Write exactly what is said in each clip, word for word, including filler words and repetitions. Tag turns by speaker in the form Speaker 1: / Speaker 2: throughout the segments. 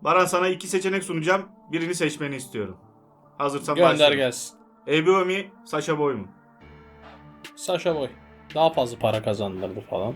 Speaker 1: Baran, sana iki seçenek sunacağım. Birini seçmeni istiyorum. Hazırsan
Speaker 2: Gönder
Speaker 1: başlayalım.
Speaker 2: gelsin.
Speaker 1: Ebru mi, Saşa Boy mu?
Speaker 2: Saşa Boy. Daha fazla para kazandırdı falan.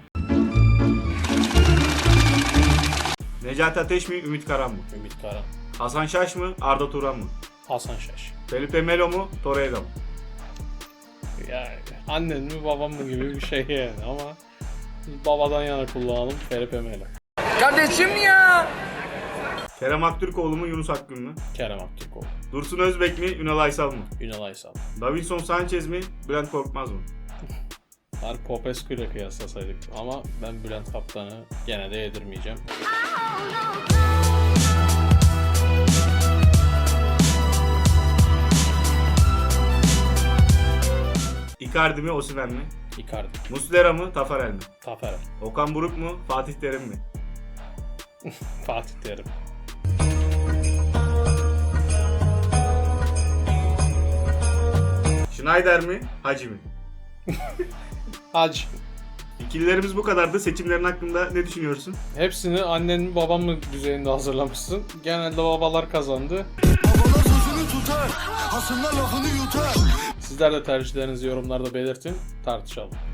Speaker 1: Necati Ateş mi, Ümit Karan mı?
Speaker 2: Ümit Karan.
Speaker 1: Hasan Şaş mı, Arda Turan mı?
Speaker 2: Hasan Şaş.
Speaker 1: Felipe Melo mu, Torreira mı?
Speaker 2: Yani annen mi babam mı gibi bir şey yani ama babadan yana kullanalım Felipe Melo.
Speaker 3: Kardeşim ya.
Speaker 1: Kerem Aktürkoğlu mu, Yunus Akgün mü?
Speaker 2: Kerem Aktürkoğlu.
Speaker 1: Dursun Özbek mi, Ünal Aysal mı?
Speaker 2: Ünal Aysal.
Speaker 1: Davinson Sanchez mi, Bülent Korkmaz mı?
Speaker 2: Var Popescu ile kıyaslasaydık ama ben Bülent Kaptan'ı gene de yedirmeyeceğim.
Speaker 1: Icardi mi, Osimhen mi?
Speaker 2: Icardi.
Speaker 1: Muslera mı, Tafarel mi?
Speaker 2: Taferel.
Speaker 1: Okan Buruk mu, Fatih Terim mi?
Speaker 2: Fatih Terim.
Speaker 1: Schneider mi, Hacı mı?
Speaker 2: Hacı.
Speaker 1: İkililerimiz bu kadardı. Seçimlerin hakkında ne düşünüyorsun?
Speaker 2: Hepsini annen mi babam mı düzeyinde hazırlamışsın. Genelde babalar kazandı.
Speaker 3: Babalar sözünü tutar. Hasımlar lafını yutar.
Speaker 2: Sizler de tercihlerinizi yorumlarda belirtin. Tartışalım.